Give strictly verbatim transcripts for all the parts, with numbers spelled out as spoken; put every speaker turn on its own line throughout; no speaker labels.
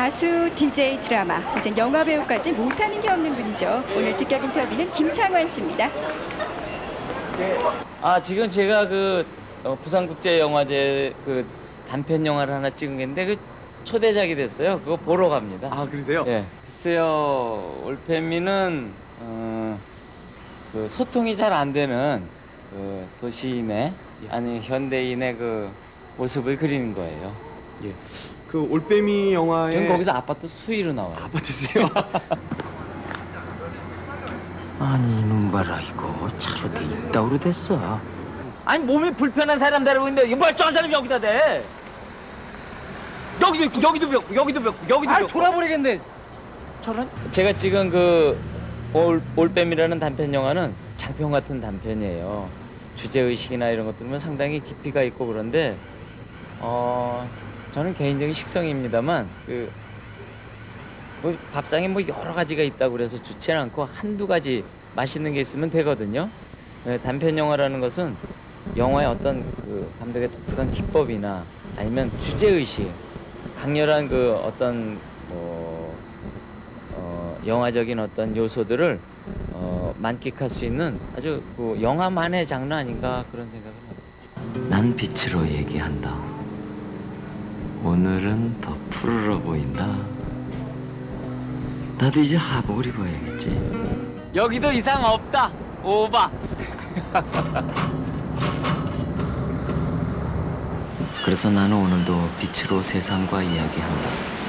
가수, 디제이, 드라마, 이제 영화 배우까지 못하는 게 없는 분이죠. 오늘 직격 인터뷰는 김창완 씨입니다.
아 지금 제가 그 어, 부산국제영화제 그 단편 영화를 하나 찍은 게 있는데 그 초대작이 됐어요. 그거 보러 갑니다.
아 그러세요?
예. 글쎄요, 올빼미는 어, 그 소통이 잘 안 되는 그 도시인의 아니 현대인의 그 모습을 그리는 거예요.
예. 그 올빼미 영화에
전 거기서 아파트 수위로 나와요.
아파트세요?
아니 이놈 봐라 이거 차로 돼 있다고 됐어.
아니 몸이 불편한 사람 데리고 있는데 이 멀쩡한 사람이 여기다 대. 여기도 있고 여기도 벽고 여기도 벽고 여기도 벽고. 돌아버리겠네. 저런. 제가 찍은 그 올, 올빼미라는 단편 영화는 장편 같은 단편이에요. 주제 의식이나 이런 것들은 상당히 깊이가 있고 그런데 어 저는 개인적인 식성입니다만 그 뭐 밥상에 뭐 여러 가지가 있다고 그래서 좋지 않고 한두 가지 맛있는 게 있으면 되거든요. 네, 단편 영화라는 것은 영화의 어떤 그 감독의 독특한 기법이나 아니면 주제 의식, 강렬한 그 어떤 뭐 어, 영화적인 어떤 요소들을 어, 만끽할 수 있는 아주 그 영화만의 장르 아닌가 그런 생각을 합니다.
난 빛으로 얘기한다. 오늘은 더 푸르러 보인다. 나도 이제 하복을 입어야겠지.
여기도 이상 없다. 오바.
그래서 나는 오늘도 빛으로 세상과 이야기한다.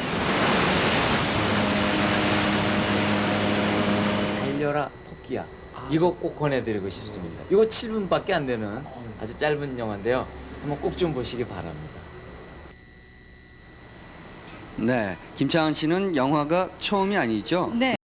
달려라 토끼야. 이거 꼭 권해드리고 싶습니다. 이거 칠 분밖에 안 되는 아주 짧은 영화인데요. 한번 꼭 좀 보시기 바랍니다.
네, 김창완 씨는 영화가 처음이 아니죠?
네.